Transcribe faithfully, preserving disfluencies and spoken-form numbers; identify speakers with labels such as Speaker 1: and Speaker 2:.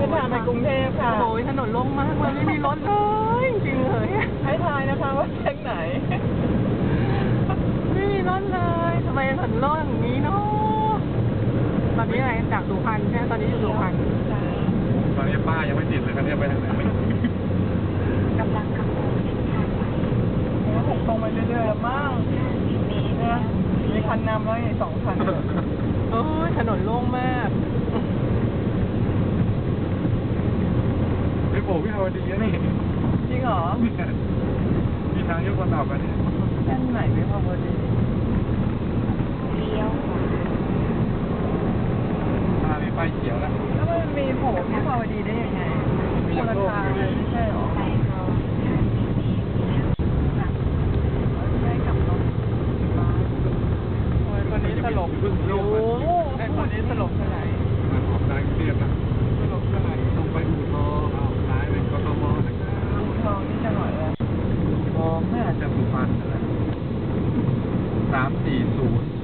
Speaker 1: ส้นทางไปกรุงเทพค่ะ
Speaker 2: โอ้ยถนนโล่งมากเลยไม่มีรถเลยจริงเลย
Speaker 1: ให้ทายนะคะว่าเส้นไหน
Speaker 2: ไม่มีรถเลยทำไมถนนโล่งอย่างนี้เนาะตอนนี้อะไรจากสุพรรณใช่ไหมตอนนี้อยู่สุพรรณ
Speaker 3: ตอนนี้ป้ายังไม่ติดเลยคันนี้ไปทางไหนไม่รู้
Speaker 4: กำลังขับรถเส้นทางไป
Speaker 1: ผมว่าผมตรงไปเรื่อยๆแล้วมั้งเนี่ยมีคันนำแล้วอีกสองคัน
Speaker 2: โอ้ยถนนโล่งมาก
Speaker 3: ไอ้โผล่พี่ฮาวดีนะนี่
Speaker 1: จริงเหรอ
Speaker 3: มีทางยกคนออกกันนี่
Speaker 1: เส้นไหนไม่พอพอดี
Speaker 4: เลี้ยวขวา
Speaker 3: ตามีไฟเขียวแล้ว
Speaker 1: แล้วมันมีโผล่ที่พอดีได้ยังไงคนละทางเลยไม่ใช่เหรอ
Speaker 4: ไปรอห้าสิบเมตรแล้วกลับ
Speaker 1: ได้กลับรถโอ้ยคนนี้สลบโอ้ไอ้คนนี้สลบเท่าไหร่
Speaker 3: มันออกซ้ายกรุงเทพนะ
Speaker 1: สลบเท่าไหร่
Speaker 3: ตรงไปอู่ทองเอาซ้ายไปกทมนะครับ
Speaker 1: อู่ทองนี่จะหน่อยละ
Speaker 3: อู่ทองน่าจะสุพรรณนั่นแหละสามสี่ศูนย์